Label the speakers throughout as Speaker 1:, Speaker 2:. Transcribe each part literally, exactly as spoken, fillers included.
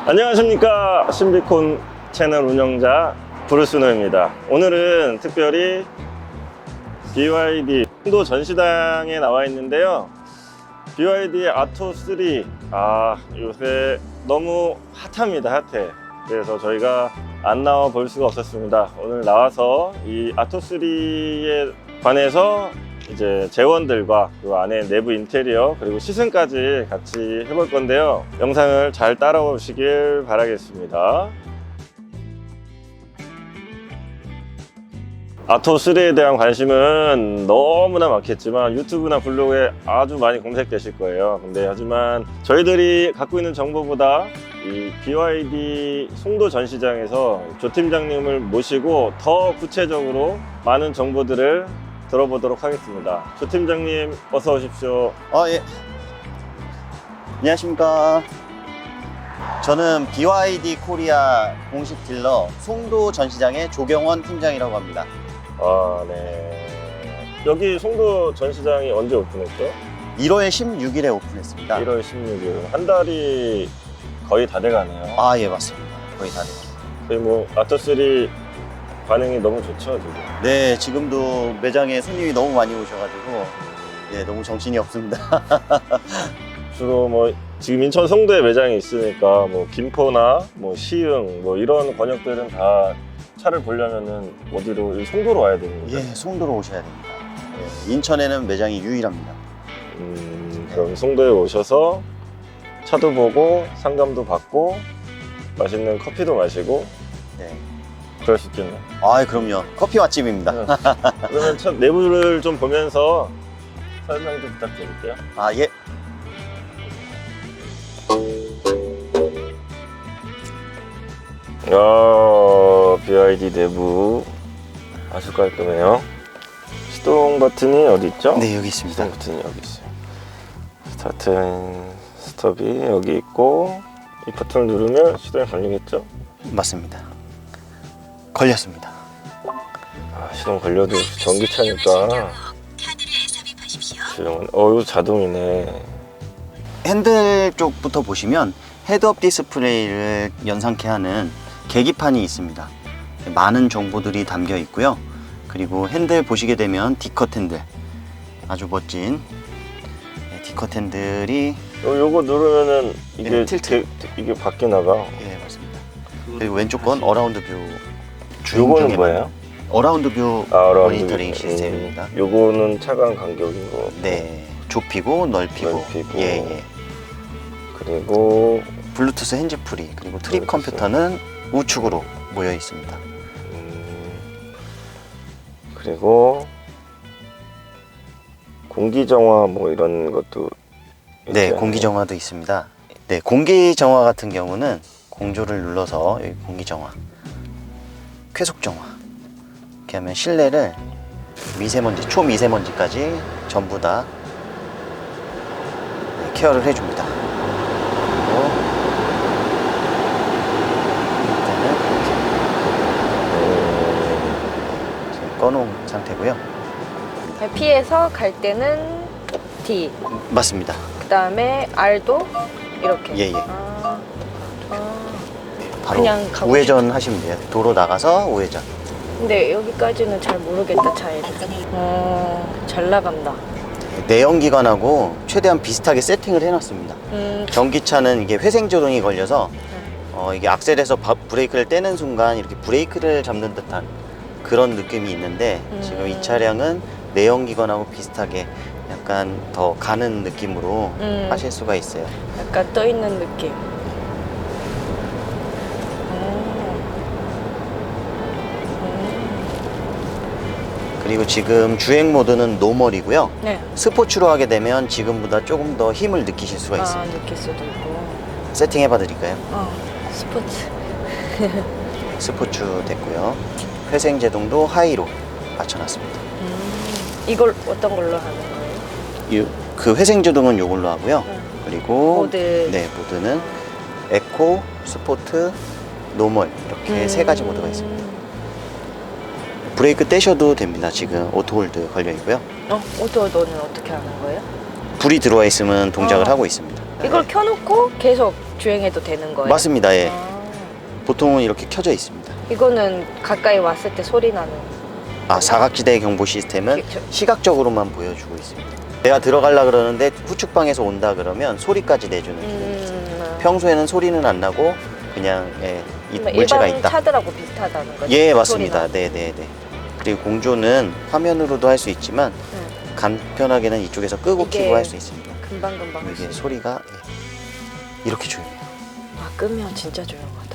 Speaker 1: 안녕하십니까, 신비콘 채널 운영자 브루스노입니다. 오늘은 특별히 비와이디 송도 전시장에 나와 있는데요. 비와이디의 아토 쓰, 아 요새 너무 핫합니다. 핫해. 그래서 저희가 안 나와 볼 수가 없었습니다. 오늘 나와서 이 아토 쓰리에 관해서 이제 재원들과 그 안에 내부 인테리어 그리고 시승까지 같이 해볼 건데요. 영상을 잘 따라오시길 바라겠습니다. 아토 쓰리에 대한 관심은 너무나 많겠지만 유튜브나 블로그에 아주 많이 검색되실 거예요. 근데 하지만 저희들이 갖고 있는 정보보다 이 비와이디 송도 전시장에서 조 팀장님을 모시고 더 구체적으로 많은 정보들을 들어보도록 하겠습니다. 조 팀장님 어서 오십시오.
Speaker 2: 아, 예. 안녕하십니까. 저는 비와이디 코리아 공식 딜러 송도 전시장의 조경원 팀장이라고 합니다.
Speaker 1: 아, 네. 여기 송도 전시장이 언제 오픈했죠?
Speaker 2: 일월 십육일에 오픈했습니다.
Speaker 1: 일월 십육일. 한 달이 거의 다 돼가네요.
Speaker 2: 아, 예, 맞습니다. 거의 다 돼요.
Speaker 1: 거의 뭐 아토 쓰리 반응이 너무 좋죠, 지금.
Speaker 2: 네, 지금도 매장에 손님이 너무 많이 오셔가지고 예, 너무 정신이 없습니다.
Speaker 1: 주로 뭐 지금 인천 송도에 매장이 있으니까 뭐 김포나 뭐 시흥 뭐 이런 권역들은 다 차를 보려면은 어디로? 이 송도로 와야 되는 거죠?
Speaker 2: 예, 송도로 오셔야 됩니다. 예, 인천에는 매장이 유일합니다.
Speaker 1: 음, 그럼 송도에 오셔서 차도 보고 상담도 받고 맛있는 커피도 마시고
Speaker 2: 네.
Speaker 1: 그럴 수 있겠네요.
Speaker 2: 아, 그럼요. 커피 맛집입니다.
Speaker 1: 네. 그러면 차 내부를 좀 보면서 설명 좀 부탁드릴게요.
Speaker 2: 아, 예.
Speaker 1: 야, 비와이디 내부 아주 깔끔해요. 시동 버튼이 어디 있죠?
Speaker 2: 네, 여기 있습니다.
Speaker 1: 시동 버튼이 여기 있어요. 스타트 앤 스톱이 여기 있고 이 버튼을 누르면 시동이 걸리겠죠?
Speaker 2: 맞습니다. 걸렸습니다.
Speaker 1: 아, 시동 걸려도 전기차니까 시동은 어 이거 자동이네.
Speaker 2: 핸들 쪽부터 보시면 헤드업 디스플레이를 연상케 하는 계기판이 있습니다. 많은 정보들이 담겨 있고요. 그리고 핸들 보시게 되면 D컷 핸들, 아주 멋진 D컷 핸들이
Speaker 1: 요, 요거 누르면은 이게
Speaker 2: 네, 틸트.
Speaker 1: 게, 이게 밖에 나가.
Speaker 2: 예, 맞습니다. 그리고 왼쪽 건 어라운드 뷰.
Speaker 1: 요거는 뭐예요?
Speaker 2: 어라운드 뷰
Speaker 1: 아, 어라운드
Speaker 2: 모니터링
Speaker 1: 뷰.
Speaker 2: 시스템입니다.
Speaker 1: 음, 요거는 차간 간격인 거.
Speaker 2: 네, 좁히고 넓히고.
Speaker 1: 넓히고.
Speaker 2: 예, 예.
Speaker 1: 그리고
Speaker 2: 블루투스 핸즈프리, 그리고 트립
Speaker 1: 블루투스.
Speaker 2: 컴퓨터는 우측으로 모여 있습니다.
Speaker 1: 음, 그리고 공기 정화 뭐 이런 것도 있지
Speaker 2: 네,
Speaker 1: 않나요?
Speaker 2: 공기 정화도 있습니다. 네, 공기 정화 같은 경우는 공조를 눌러서 여기 공기 정화, 쾌속 정화. 이렇게 하면 실내를 미세먼지, 초미세먼지까지 전부 다 네, 케어를 해줍니다. 그리고 일단은 이렇게 지금 꺼놓은 상태고요.
Speaker 3: P에서 갈 때는 D,
Speaker 2: 맞습니다.
Speaker 3: 그 다음에 R도 이렇게.
Speaker 2: 예, 예.
Speaker 3: 아, 아.
Speaker 2: 바로
Speaker 3: 그냥 가고
Speaker 2: 우회전 하시면 돼요. 도로 나가서 우회전.
Speaker 3: 근데 여기까지는 잘 모르겠다, 차이를. 어, 잘 나간다.
Speaker 2: 내연기관하고 최대한 비슷하게 세팅을 해놨습니다.
Speaker 3: 음,
Speaker 2: 전기차는 이게 회생조동이 걸려서 어, 이게 악셀에서 바, 브레이크를 떼는 순간 이렇게 브레이크를 잡는 듯한 그런 느낌이 있는데
Speaker 3: 음.
Speaker 2: 지금 이 차량은 내연기관하고 비슷하게 약간 더 가는 느낌으로
Speaker 3: 음.
Speaker 2: 하실 수가 있어요.
Speaker 3: 약간 떠 있는 느낌.
Speaker 2: 그리고 지금 주행 모드는 노멀이고요.
Speaker 3: 네.
Speaker 2: 스포츠로 하게 되면 지금보다 조금 더 힘을 느끼실 수가
Speaker 3: 아,
Speaker 2: 있습니다.
Speaker 3: 느낄 수도 있고.
Speaker 2: 세팅 해봐 드릴까요?
Speaker 3: 어, 스포츠.
Speaker 2: 스포츠 됐고요. 회생 제동도 하이로 맞춰놨습니다.
Speaker 3: 음, 이걸 어떤 걸로 하는 거예요?
Speaker 2: 이, 그 회생 제동은 이걸로 하고요.
Speaker 3: 음.
Speaker 2: 그리고
Speaker 3: 모드.
Speaker 2: 네, 모드는 에코, 스포트, 노멀 이렇게
Speaker 3: 음.
Speaker 2: 세 가지 모드가 있습니다. 브레이크 떼셔도 됩니다. 지금 오토홀드 걸려 있고요.
Speaker 3: 어, 오토도는 어떻게 하는 거예요?
Speaker 2: 불이 들어와 있으면 동작을
Speaker 3: 어.
Speaker 2: 하고 있습니다.
Speaker 3: 이걸 켜놓고 계속 주행해도 되는 거예요?
Speaker 2: 맞습니다. 예.
Speaker 3: 아,
Speaker 2: 보통은 이렇게 켜져 있습니다.
Speaker 3: 이거는 가까이 왔을 때 소리 나는.
Speaker 2: 아, 사각지대 경보 시스템은
Speaker 3: 그쵸.
Speaker 2: 시각적으로만 보여주고 있습니다. 내가 들어가려 그러는데 후측방에서 온다 그러면 소리까지 내주는 기능이 있습니다.
Speaker 3: 음,
Speaker 2: 평소에는 소리는 안 나고 그냥 예, 이
Speaker 3: 그러면
Speaker 2: 물체가
Speaker 3: 일반
Speaker 2: 있다.
Speaker 3: 차들하고 비슷하다는 거죠?
Speaker 2: 예,
Speaker 3: 소리나.
Speaker 2: 맞습니다. 네, 네, 네. 그리고 공조는 화면으로도 할 수 있지만
Speaker 3: 네.
Speaker 2: 간편하게는 이쪽에서 끄고
Speaker 3: 이게
Speaker 2: 켜고 할 수 있습니다.
Speaker 3: 금방 금방.
Speaker 2: 이게
Speaker 3: 할수
Speaker 2: 소리가 예, 이렇게 조용해요.
Speaker 3: 아, 끄면 진짜 조용하다.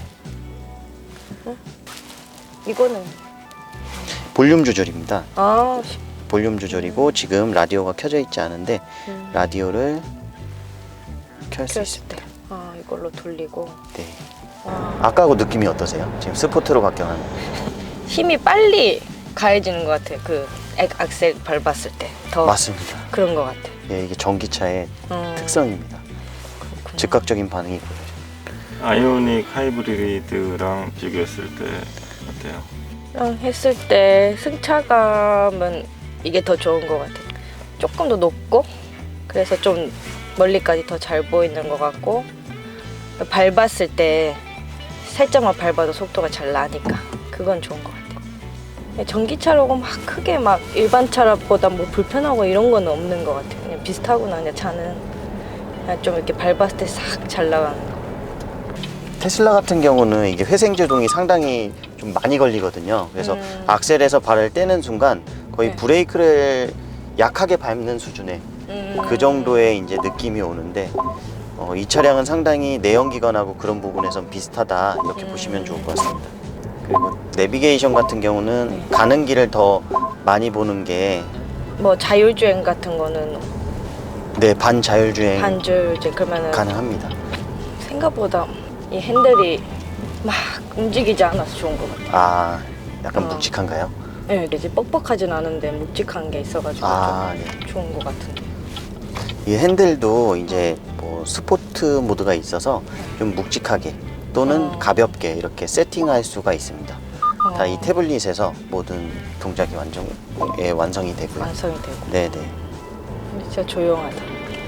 Speaker 3: 응? 이거는
Speaker 2: 볼륨 조절입니다.
Speaker 3: 아, 시-
Speaker 2: 볼륨 조절이고 지금 라디오가 켜져 있지 않은데
Speaker 3: 음,
Speaker 2: 라디오를 켤 수
Speaker 3: 켰을
Speaker 2: 있습니다.
Speaker 3: 때. 아, 이걸로 돌리고.
Speaker 2: 네.
Speaker 3: 와,
Speaker 2: 아까하고 느낌이 어떠세요? 지금 스포트로 바뀌어가는.
Speaker 3: 힘이 빨리 가해지는 것 같아. 그 액- 악셀 밟았을 때. 더
Speaker 2: 맞습니다.
Speaker 3: 그런 것 같아.
Speaker 2: 예, 이게 전기차의
Speaker 3: 음,
Speaker 2: 특성입니다.
Speaker 3: 그렇구나.
Speaker 2: 즉각적인 반응이 보여요.
Speaker 1: 아이오닉 하이브리드랑 비교했을 때 어때요?
Speaker 3: 랑 했을 때 승차감은 이게 더 좋은 것 같아요. 조금 더 높고 그래서 좀 멀리까지 더 잘 보이는 것 같고 밟았을 때 살짝만 밟아도 속도가 잘 나니까 그건 좋은 것 같아요. 전기차라고 막 크게 막 일반 차보다 뭐 불편하고 이런 거는 없는 것 같아요. 그냥 비슷하구나. 그냥 차는 그냥 좀 이렇게 밟았을 때 싹 잘 나가는 거.
Speaker 2: 테슬라 같은 경우는 이게 회생 제동이 상당히 좀 많이 걸리거든요. 그래서
Speaker 3: 음.
Speaker 2: 악셀에서 발을 떼는 순간 거의
Speaker 3: 네.
Speaker 2: 브레이크를 약하게 밟는 수준의
Speaker 3: 음.
Speaker 2: 그 정도의 이제 느낌이 오는데 어, 이 차량은 상당히 내연기관하고 그런 부분에선 비슷하다 이렇게
Speaker 3: 음.
Speaker 2: 보시면 좋을 것 같습니다. 그리고 내비게이션 같은 경우는 가는 길을 더 많이 보는 게
Speaker 3: 뭐 자율주행 같은 거는
Speaker 2: 네, 반자율주행
Speaker 3: 반주행 그러면은
Speaker 2: 가능합니다.
Speaker 3: 생각보다 이 핸들이 막 움직이지 않아서 좋은 것 같아요.
Speaker 2: 아, 약간
Speaker 3: 어.
Speaker 2: 묵직한가요?
Speaker 3: 네, 이제 뻑뻑하진 않은데 묵직한 게 있어가지고
Speaker 2: 아,
Speaker 3: 좀
Speaker 2: 네.
Speaker 3: 좋은 것 같은데.
Speaker 2: 이 핸들도 이제 뭐 스포트 모드가 있어서 좀 묵직하게 또는
Speaker 3: 어.
Speaker 2: 가볍게 이렇게 세팅할 수가 있습니다. 다
Speaker 3: 어,
Speaker 2: 이 태블릿에서 모든 동작이 완전 예, 완성이 되고요.
Speaker 3: 완성이 되고
Speaker 2: 네네.
Speaker 3: 진짜 조용하다.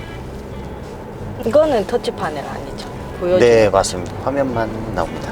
Speaker 3: 이거는 터치 파넬 아니죠? 보여주는
Speaker 2: 네,
Speaker 3: 거.
Speaker 2: 맞습니다. 화면만 나옵니다.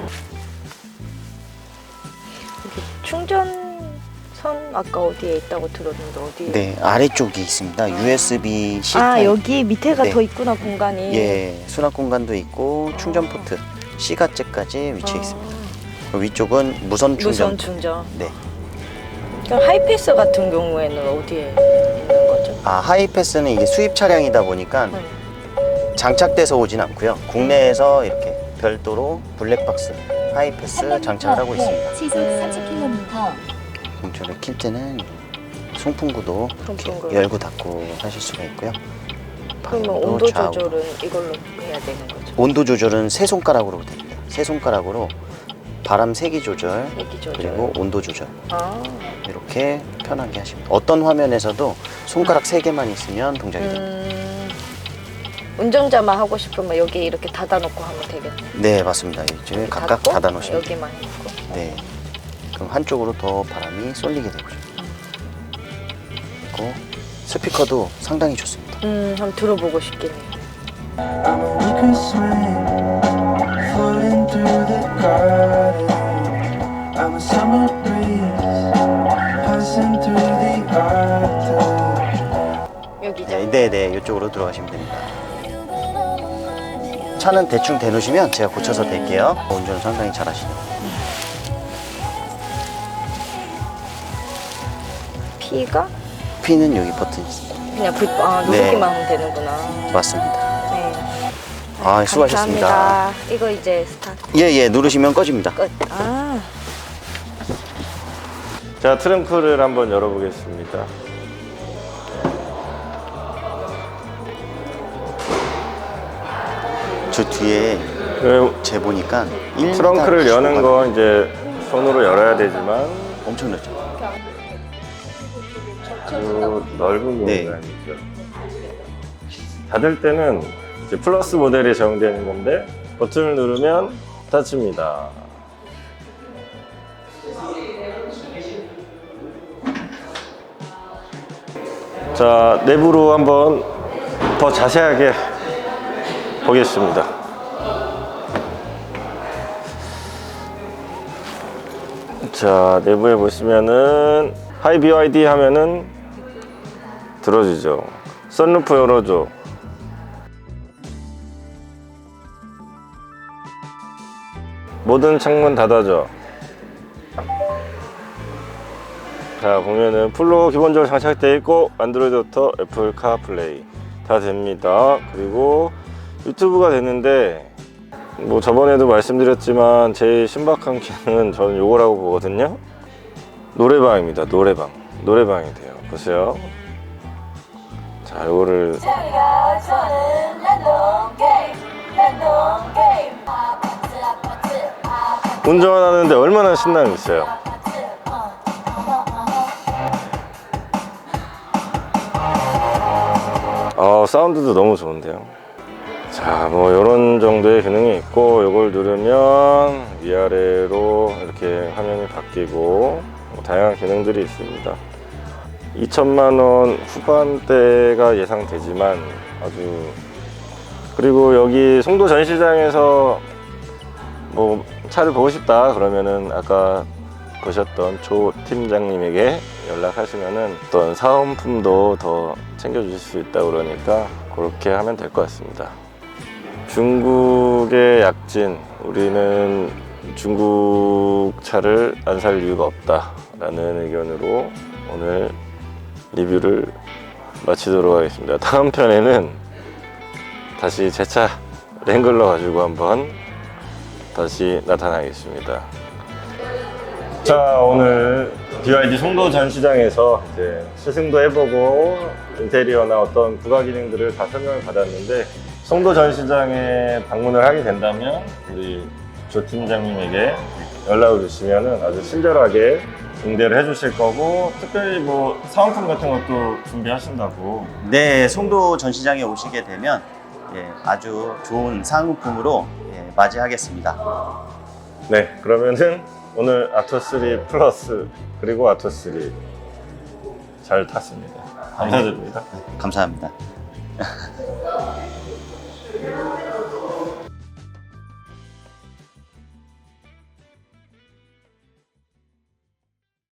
Speaker 3: 충전선 아까 어디에 있다고 들었는데 어디에?
Speaker 2: 네, 아래쪽이 있습니다. 유에스비 C
Speaker 3: 아
Speaker 2: 타입.
Speaker 3: 여기 밑에가
Speaker 2: 네.
Speaker 3: 더 있구나 공간이.
Speaker 2: 예, 수납 공간도 있고 충전 포트 C가째까지 위치해
Speaker 3: 아,
Speaker 2: 있습니다. 그리고 위쪽은 무선 충전.
Speaker 3: 무선 충전.
Speaker 2: 네.
Speaker 3: 그럼 하이패스 같은 경우에는 어디에 있는 거죠?
Speaker 2: 아, 하이패스는 이게 수입 차량이다 보니까
Speaker 3: 네.
Speaker 2: 장착돼서 오진 않고요. 국내에서 이렇게 별도로 블랙박스 하이패스 장착을 하고 있습니다.
Speaker 4: 시속 삼십 킬로미터.
Speaker 2: 공조를 킬 때는 송풍구도 이렇게
Speaker 3: 송풍구.
Speaker 2: 열고 닫고 하실 수가 있고요.
Speaker 3: 그러면
Speaker 2: 방향도
Speaker 3: 온도
Speaker 2: 좌우로.
Speaker 3: 조절은 이걸로 해야 되는 거죠?
Speaker 2: 온도 조절은 세 손가락으로 됩니다. 세 손가락으로 바람 세기 조절
Speaker 3: 얘기 조절.
Speaker 2: 그리고 온도 조절
Speaker 3: 아,
Speaker 2: 이렇게 편하게 하십니다. 어떤 화면에서도 손가락 세 개만 있으면 동작이 됩니다.
Speaker 3: 음, 운전자만 하고 싶으면 여기 이렇게 닫아놓고 하면 되겠네.
Speaker 2: 네, 맞습니다. 이제 각각
Speaker 3: 닫고,
Speaker 2: 닫아 놓으시면
Speaker 3: 여기만 있고.
Speaker 2: 네. 그럼 한쪽으로 더 바람이 쏠리게 되고요. 그리고 스피커도 상당히 좋습니다.
Speaker 3: 음, 한번 들어보고 싶긴 해.
Speaker 5: We can swim, floating through the garden. I'm a summer breeze, passing through the garden.
Speaker 3: 여기죠?
Speaker 2: 네, 네, 네. 이쪽으로 들어가시면 됩니다. 차는 대충 대놓으시면 제가 고쳐서 댈게요. 운전을 상당히 잘하시네요.
Speaker 3: P가
Speaker 2: P는 여기 버튼이 있습니다.
Speaker 3: 그냥 불, 아,
Speaker 2: 네.
Speaker 3: 누르기만 하면 되는구나.
Speaker 2: 맞습니다.
Speaker 3: 네.
Speaker 2: 아, 수고하셨습니다.
Speaker 3: 감사합니다. 이거 이제 스타트
Speaker 2: 예, 예. 누르시면 꺼집니다.
Speaker 3: 끝. 아,
Speaker 1: 자, 트렁크를 한번 열어보겠습니다.
Speaker 2: 저 뒤에
Speaker 1: 그
Speaker 2: 재보니까 일 미터
Speaker 1: 트렁크를 여는
Speaker 2: 시도가
Speaker 1: 거 이제 손으로 열어야 되지만
Speaker 2: 엄청 넓죠.
Speaker 1: 아주 넓은
Speaker 2: 네.
Speaker 1: 공간이죠. 닫을 때는 이제 플러스 모델이 적용되는 건데 버튼을 누르면 닫힙니다. 자, 내부로 한번 더 자세하게 보겠습니다. 자, 내부에 보시면은 하이 비와이디 하면은 들어주죠. 선루프 열어줘. 모든 창문 닫아줘. 자, 보면은 풀로 기본적으로 장착되어 있고 안드로이드 오토, 애플 카플레이 다 됩니다. 그리고 유튜브가 되는데 뭐 저번에도 말씀드렸지만 제일 신박한 기능은 저는 요거라고 보거든요. 노래방입니다. 노래방. 노래방이 돼요. 보세요. 자, 요거를 운전하는데 얼마나 신남이 있어요. 어, 사운드도 너무 좋은데요. 자, 뭐 이런 정도의 기능이 있고 이걸 누르면 위아래로 이렇게 화면이 바뀌고 뭐 다양한 기능들이 있습니다. 이천만 원 후반대가 예상되지만 아주, 그리고 여기 송도 전시장에서 뭐 차를 보고 싶다 그러면은 아까 보셨던 조 팀장님에게 연락하시면은 어떤 사은품도 더 챙겨주실 수 있다 그러니까 그렇게 하면 될 것 같습니다. 중국의 약진, 우리는 중국 차를 안 살 이유가 없다 라는 의견으로 오늘 리뷰를 마치도록 하겠습니다. 다음 편에는 다시 제 차 랭글러 가지고 한번 다시 나타나겠습니다. 자, 오늘 비와이디 송도 전시장에서 이제 시승도 해보고 인테리어나 어떤 부가 기능들을 다 설명을 받았는데, 송도 전시장에 방문을 하게 된다면 우리 조 팀장님에게 연락을 주시면 아주 친절하게 응대를 해주실 거고, 특별히 뭐 사은품 같은 것도 준비하신다고.
Speaker 2: 네, 송도 전시장에 오시게 되면 예, 아주 좋은 상품으로 예, 맞이하겠습니다.
Speaker 1: 네, 그러면은 오늘 아토쓰리 플러스 그리고 아토쓰리 잘 탔습니다. 감사드립니다.
Speaker 2: 감사합니다.